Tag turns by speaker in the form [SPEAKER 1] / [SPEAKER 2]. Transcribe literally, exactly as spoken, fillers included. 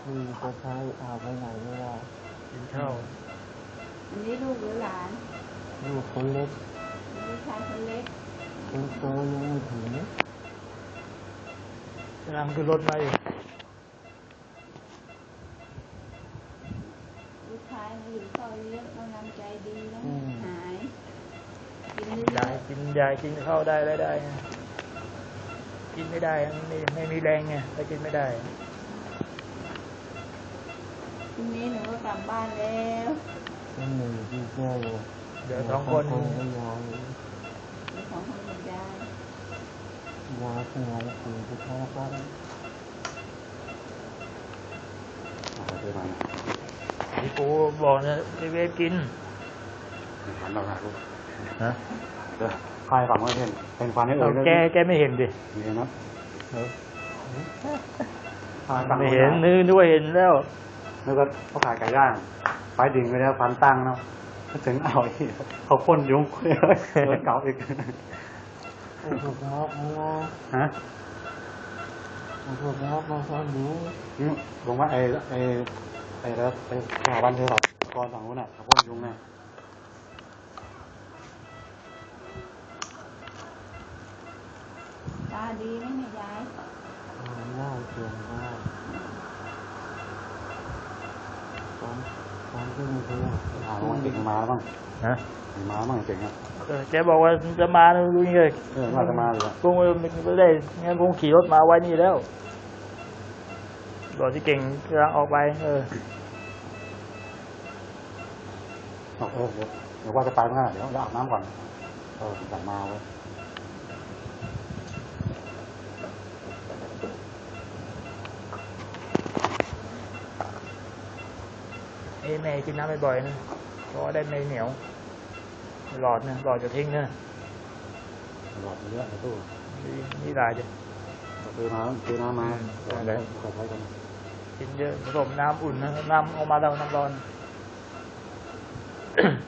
[SPEAKER 1] คือจะใช้เอาไปไหนไม่ได้
[SPEAKER 2] กินข้าว
[SPEAKER 3] อันนี้ลูกหรือหลาน
[SPEAKER 1] ลูกคนเล็ก
[SPEAKER 3] ลูกชายคนเล็ก
[SPEAKER 1] คนโตยังไม่ถึง
[SPEAKER 2] กำลังขึ้นรถมาอยู่
[SPEAKER 3] ลูกชายมาอยู่ซอยเยอะกำลังใจดีแล้วหายกิน
[SPEAKER 2] ยายกินยายกินข้าวได้ได้ได้กินไม่ได้ไม่ไม่มีแรงไงถ้ากินไม่ได้
[SPEAKER 3] ทีนี้หนูก็กลับบ้านแล้ว
[SPEAKER 1] หนึ่งที่แก้
[SPEAKER 2] เดี๋ยวสองคน
[SPEAKER 1] ยาย
[SPEAKER 3] เดี๋ยวสองคนกับยาย
[SPEAKER 1] ยายเป็นไงถึงจะท้อกัน
[SPEAKER 2] พี่ปูบอกนะเวฟกิน
[SPEAKER 4] หันเราหาลูก
[SPEAKER 2] ฮะ
[SPEAKER 4] เดี๋ยวใครฝังไม่เห็นเป็นฟันให้เอ่ย
[SPEAKER 2] แกแกไม่เห็นดิ
[SPEAKER 4] เห็นนะ
[SPEAKER 2] ไม่เห็นนึกนึกว่าเห็นแล้ว
[SPEAKER 4] นึกว่าเขาขายไก่ย่างไฟดิ่งไปแล้วฟันตั้งเนาะถึงเอาอีกเขาพ่นยุ้งเลยเก่าอีก
[SPEAKER 1] ถูกล็อกมา
[SPEAKER 4] ฮะ
[SPEAKER 1] ถูกล็อกมาซ้อนหนู
[SPEAKER 4] ลงว่าไอ้ไอ้ไอ้แล้วไอ้สถาบันเทศบาลกรฝั่งนู้นน่ะเขาพ่นยุ้งไง
[SPEAKER 3] ตาดีไหมเนี่ยยาย
[SPEAKER 1] หน้าเขียนได้ตอนตอนที่มีคน
[SPEAKER 4] หาลงเก่งมาแล้วบ้าง
[SPEAKER 2] ฮะ
[SPEAKER 4] มาบ้างเก่งครับ
[SPEAKER 2] แกบอกว่าจะมาดูนี่เลย
[SPEAKER 4] เออมาจะมาเลย
[SPEAKER 2] คงไม่ได้งั้นคงขี่รถมาไว้นี่แล้วบอกที่เก่งกำลังออกไปเออ
[SPEAKER 4] เออเดี๋ยวเดี๋ยวว่าจะไปเมื่อไหร่เดี๋ยวอาบน้ำก่อนเออสั่งมาไว้
[SPEAKER 2] ไอ้แม่กินน้ำบ่อยๆนะเพราะได้ไม่เหนียวหลอดนะหลอดจะทิ้งนะ
[SPEAKER 4] หลอดเยอะในตู้
[SPEAKER 2] นี่ลายจ้ะ
[SPEAKER 4] เทน้ำเทน้ำมาอะไรก็ใช้กัน
[SPEAKER 2] กินเยอะผสมน้ำอุ่นนะน้ำออกมาแล้วน้ำร้อน